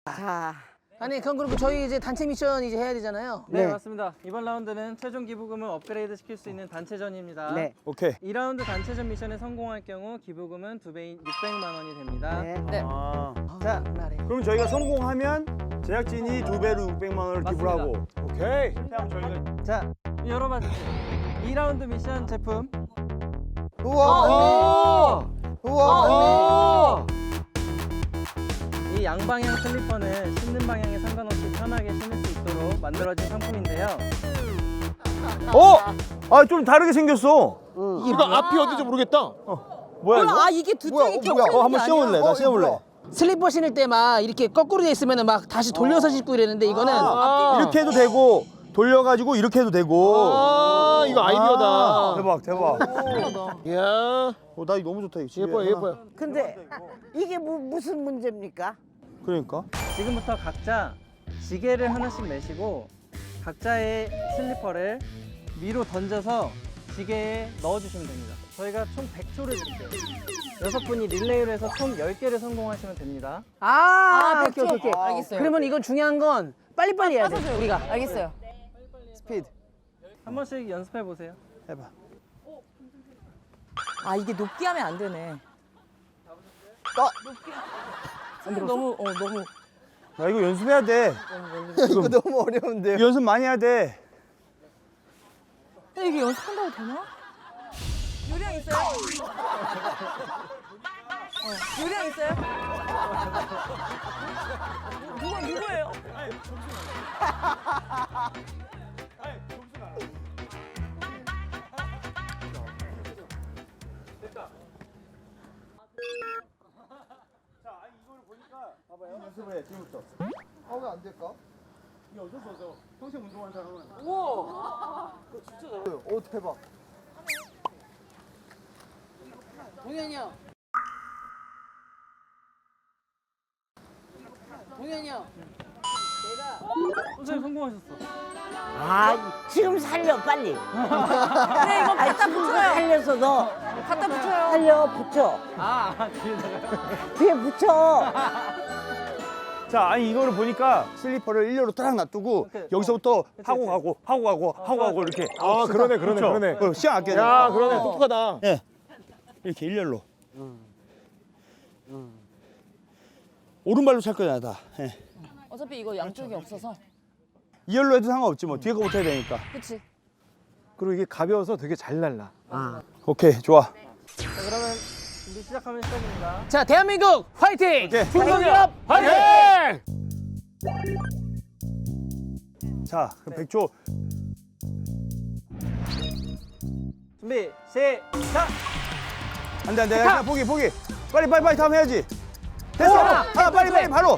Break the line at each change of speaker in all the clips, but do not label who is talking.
자,
아니 그럼 저희 이제 단체 미션 이제 해야 되잖아요.
네,
네.
맞습니다. 이번 라운드는 최종 기부금을 업그레이드 시킬 수 있는 단체전입니다.
네.
오케이.
2라운드 단체전 미션에 성공할 경우 기부금은 2배인 600만 원이 됩니다.
네.
네.
아,
자,
나래.
그럼 저희가 성공하면 제작진이 2배로 600만 원을 기부를 하고. 오케이. 그냥 저희가
자,
열어봐 주세요. 2라운드 미션 제품.
우와, 우와,
이 양방향 슬리퍼는 신는 방향에 상관없이 편하게 신을 수 있도록 만들어진 상품인데요.
아, 좀 다르게 생겼어.
이거 앞이 어딘지 모르겠다.
뭐야 이거?
아 이게 두 짝이 껴있는 게
한번 씌워볼래?
아니야?
나 씌워볼래?
슬리퍼 신을 때 막 이렇게 거꾸로 돼 있으면 막 다시 돌려서 신고 이랬는데 이거는
이렇게 해도 되고 돌려가지고 이렇게 해도 되고.
아, 이거 아이디어다.
대박 대박.
이야,
나 이거 너무 좋다 이거. 집에
예뻐요,
하나.
예뻐요.
근데 이게 무슨 문제입니까?
그러니까.
지금부터 각자 지게를 하나씩 매시고 각자의 슬리퍼를 위로 던져서 지게에 넣어주시면 됩니다. 저희가 총 100초를 드릴게요. 6분이 릴레이로 해서 총 10개를 성공하시면 됩니다.
오케이 오케이 오케이.
알겠어요.
그러면 이건 중요한 건 빨리빨리 해야 돼.
빠져줘요.
우리가.
알겠어요.
스피드.
한 번씩 연습해 보세요.
해봐.
아 이게 높게 하면 안 되네. 너무 너무
나 이거 연습해야 돼.
이거 너무 어려운데요.
이거 연습 많이 해야 돼.
근데 이게 연습한다고 되나? 요령 있어요? 요령 있어요? 누구예요?
연습을 해 지금부터.
왜 안 될까?
이게 어쩔 수 없어. 평생 운동한 사람은.
오, 대박.
동현이 형. 동현이 형.
선생님 성공하셨어.
아, 지금 살려 빨리.
네 이거 갖다
지금
붙여요.
살려서 너
갖다 붙여요.
살려 붙여.
뒤에다가.
뒤에 붙여.
자, 아니 이거를 보니까 슬리퍼를 일렬로 딱 놔두고
오케이.
여기서부터
그치,
하고
그치.
가고 하고 가고 하고 가고 이렇게.
아, 그러네, 그러네,
그렇죠?
그러네.
그럼 시간 아껴야
야,
돼.
그러네. 똑똑하다.
예. 이렇게 일렬로. 오른발로 찰 거잖아, 다. 예.
어차피 이거 양쪽이 없어서.
이열로 해도 상관없지 뭐. 뒤에 거부터 해야 되니까.
그치?
그리고 이게 가벼워서 되게 잘 날라.
오케이, 좋아.
자, 그러면 준비 시작하면 시작입니다.
자 대한민국 화이팅!
오케이.
중소기업
화이팅!
자, 그럼 100초.
준비 시작!
안 돼, 안 돼. 그냥 포기, 포기. 빨리, 빨리, 빨리 다음 해야지. 됐어. 하나, 빨리, 빨리, 바로.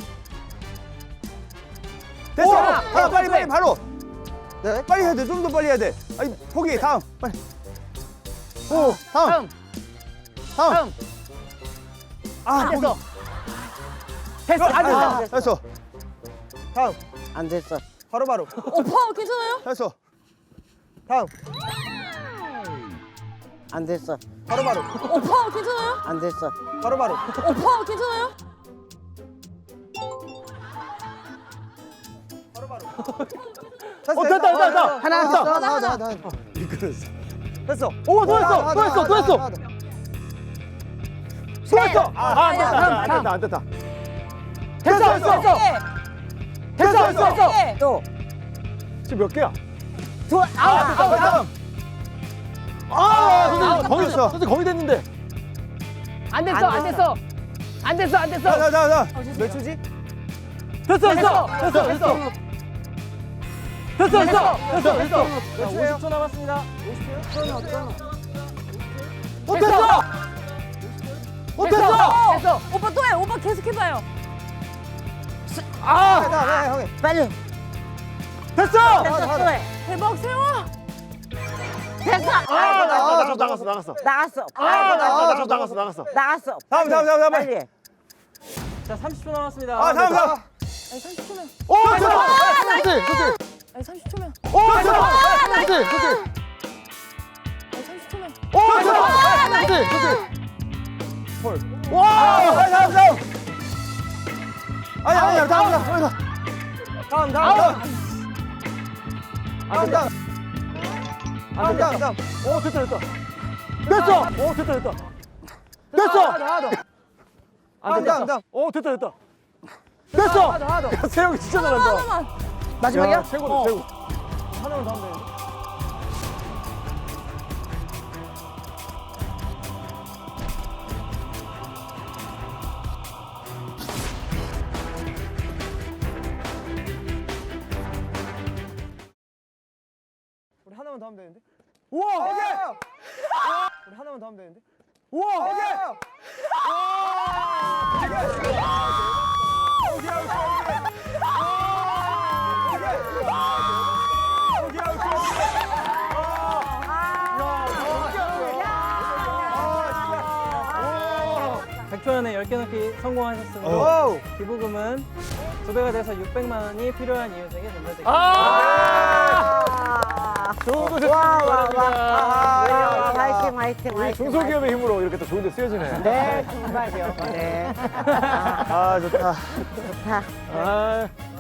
됐어. 하나, 빨리, 빨리, 바로. 네? 빨리 해야 돼. 좀 더 빨리 해야 돼. 아니, 포기. 다음. 빨리. 오, 다음. 다음. 아, 포기.
됐어. 됐어. 안 됐어.
아, 됐어. 다음.
안 됐어.
바로, 바로.
오빠 괜찮아요?
됐어.
다음. 안 됐어.
바로, 바로.
오빠 괜찮아요?
안 됐어.
바로, 바로.
오빠 괜찮아요?
됐어,
됐다, 됐다, 됐다.
하나 됐어.
하나.
됐어.
오, 또 했어, 또 했어, 또 했어. 또 했어. 아, 안 됐다, 안 됐다, 안 됐다.
됐어. 됐어. 됐어. 됐어.
네.
또.
지금 몇 개야?
다음.
선생님, 거의
됐어.
선생님 거의 됐는데.
안 됐어. 안 됐어. 안 됐어. 안 됐어.
자. 몇 초지?
됐어, 됐어, 됐어, 됐어. 됐어, 됐어, 됐어, 됐어.
50초 남았습니다.
됐어. 됐어.
됐어.
오빠 또 해. 오빠 계속 해봐요.
빨리.
됐어.
대박 세워.
됐어.
나갔어.
나갔어.
나갔어.
나갔어.
다음.
빨리. 해.
자, 30초 남았습니다.
아, 다음.
아니 30초면.
오, 됐어. 선생님, 선생님.
아니 30초면.
오, 됐어. 선생님, 선생님.
아니 30초면.
오, 됐어. 선생님, 선생님.
와! 다음. 아니야, 다음.
오, 됐다. 됐어. 오, 됐다. 됐어. 오, 됐다. 됐어. 야, 세영이 진짜 잘한다.
하나만.
마지막이야?
최고다, 최고.
하나만 더 하면 되는데. 우리 하나만 더 하면 되는데.
우와.
우리 하나만 더 하면 되는데.
우와.
백초연에 10개 넣기 성공하셨으므로
오.
기부금은 2배가 돼서 600만 원이 필요한 이웃에게 전달드립니다.
좋은 곳에
와,
바랍니다.
화이팅, 화이팅,
우리
화이팅.
중소기업의 힘으로 이렇게 또 좋은 데 쓰여지네.
네, 정말요. 네.
아, 좋다.
좋다.
아.